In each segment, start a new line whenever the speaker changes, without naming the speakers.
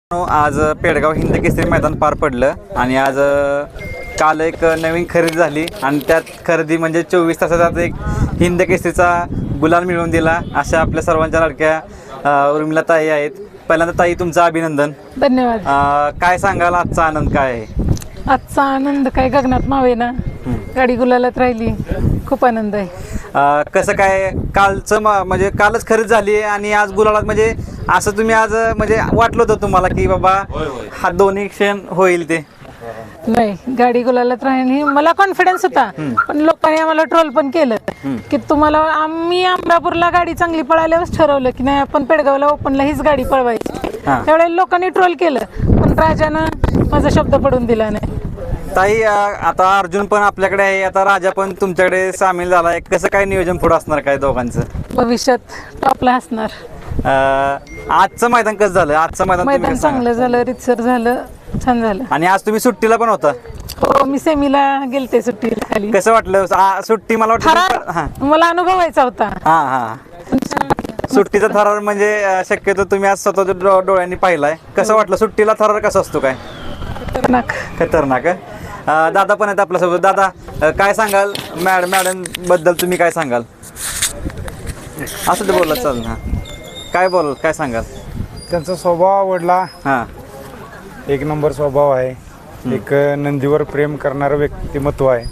आज पेडगाव हिंद केसरी मैदान पार पडलं आणि आज काल एक नवीन खरेदी झाली आणि त्यात खरेदी म्हणजे 24 तासात एक हिंद केसरीचा गुलाल मिळवून दिला. अशा आपल्या सर्वांच्या लाडक्या उर्मिला ताई आहेत. पहिल्यांदा ताई तुमचं अभिनंदन.
धन्यवाद.
काय सांगाल आजचा आनंद काय आहे?
आजचा आनंद काय गगनात मावेना. गाडी गुलालात राहिली, खूप आनंद आहे.
कसं काय कालचं म्हणजे कालच खरेदी झाली आणि आज गुलालात म्हणजे असं तुम्ही आज म्हणजे वाटलं होतं तुम्हाला की बाबा हा दोन्ही क्षण होईल? ते
नाही, गाडी गुलालात राहिली मला कॉन्फिडन्स होता, पण लोकांनी आम्हाला ट्रोल पण केलं की तुम्हाला आम्ही अमरापूरला गाडी चांगली पळाल्यावरच ठरवलं की नाही आपण पेडगावला ओपनला हीच गाडी पळवायची. त्यावेळेला लोकांनी ट्रोल केलं, पण राजानं माझा शब्द पडून दिला नाही.
ताई आता अर्जुन पण आपल्याकडे आहे, आता राजा पण तुमच्याकडे सामील झाला आहे. कसं काय नियोजन पुढे असणार काय दोघांचं?
भविष्यात टॉपला असणार.
आजचं मैदान कसं झालं? आजचं
मैदान चांगलं झालं, रितसर झालं, छान झालं.
आणि आज तुम्ही सुट्टीला पण होता?
हो, मी सेमीला गेलते सुट्टीला खाली.
कसं वाटलं सुट्टी? मला वाटतं
मला अनुभवायचा होता.
सुट्टीचा थरार म्हणजे शक्यतो तुम्ही आज स्वतःच्या डोळ्यांनी पाहिलाय. कसं वाटलं सुट्टीला थरार कसं असतो? काय खतरनाक. दादा पण आहेत आपल्यासोबत. दादा काय सांगाल मॅडम बद्दल? तुम्ही काय सांगाल? असं ते बोलला चाल ना, काय बोल काय सांगाल?
त्यांचा स्वभाव आवडला. एक नंबर स्वभाव आहे. एक नंदीवर प्रेम करणारं व्यक्तिमत्व आहे.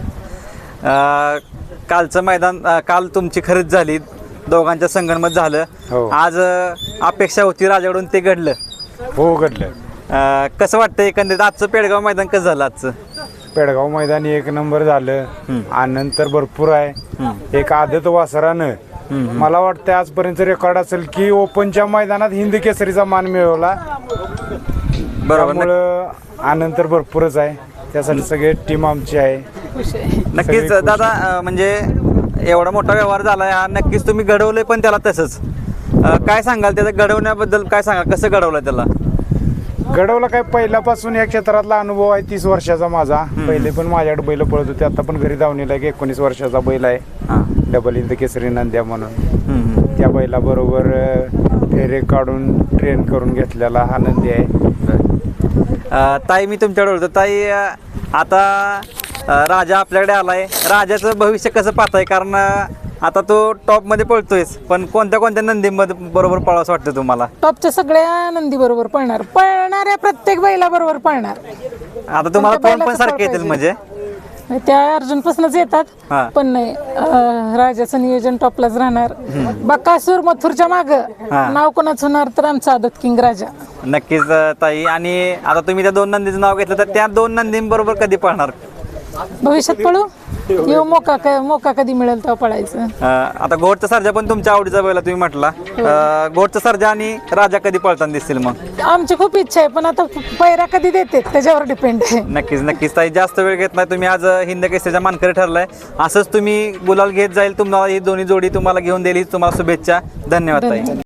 कालचं मैदान काल तुमची खरेदी झाली, दोघांच्या संगणमत झालं. आज अपेक्षा होती राजाकडून, ते घडलं?
हो, घडलं.
कसं वाटतं एकंदरीत आजचं पेडगाव मैदान कसं झालं? आजचं
पेडगाव मैदान एक नंबर झालं. आनंद तर भरपूर आहे. एक आदत वासरानं मला वाटतं आजपर्यंत रेकॉर्ड असेल की ओपनच्या मैदानात हिंद केसरीचा मान मिळवला. त्यामुळं आनंद तर भरपूरच आहे. त्यासाठी सगळे टीम आमची आहे.
नक्कीच दादा, म्हणजे एवढा मोठा व्यवहार झाला हा, नक्कीच तुम्ही घडवलंय पण त्याला तसंच. काय सांगाल त्याचं घडवण्याबद्दल? काय सांगाल कसं घडवलं त्याला?
घडवलं काय, पहिल्यापासून या क्षेत्रातला अनुभव आहे. 30 वर्षाचा माझा. पहिले पण माझ्याकडे बैल पळत होते. आता पण घरी धावणीला 19 वर्षाचा बैल आहे. डबल हिंद केसरी नंद्या म्हणून. त्या बैलाबरोबर फेरे काढून ट्रेन करून घेतलेला हा नंदी आहे.
ताई मी तुमच्याकडे होतो. ताई आता राजा आपल्याकडे आलाय. राजाचं भविष्य कसं पाहताय? कारण आता तो टॉप मध्ये पळतोयच, पण कोणत्या नंदीमध्ये बरोबर पळावं वाटतं तुम्हाला?
टॉपच्या सगळ्या नंदी बरोबर पळणाऱ्या प्रत्येक बैला बरोबर पळणार.
आता तुम्हाला कोण पण सारखे येतील म्हणजे?
त्या अर्जुन पासूनच येतात, पण नाही राजाचं नियोजन टॉपलाच राहणार. बकासूर मथुरच्या माग नाव कोणाच होणार तर आमचा आदत किंग राजा.
नक्कीच ताई. आणि आता तुम्ही त्या 2 नंदीचं नाव घेतलं, तर त्या 2 नंदींबरोबर कधी पळणार?
भविष्यात पळू. येऊ मोका कधी मिळेल तेव्हा पळायचं.
आता घोडचा सर्जा पण तुमच्या आवडीचा बैल तुम्ही म्हटला. घोडचा सर्जा आणि राजा कधी पळताना दिसतील मग?
आमची खूप इच्छा आहे, पण आता पैरा कधी देते त्याच्यावर डिपेंड आहे.
नक्कीच ताई, जास्त वेळ घेत नाही. तुम्ही आज हिंद केसरीच्या मानकरी ठरलाय. असंच तुम्ही गुलाल घेत जाईल. तुम्हाला ही दोन्ही जोडी तुम्हाला घेऊन दिली. तुम्हाला शुभेच्छा. धन्यवाद ताई.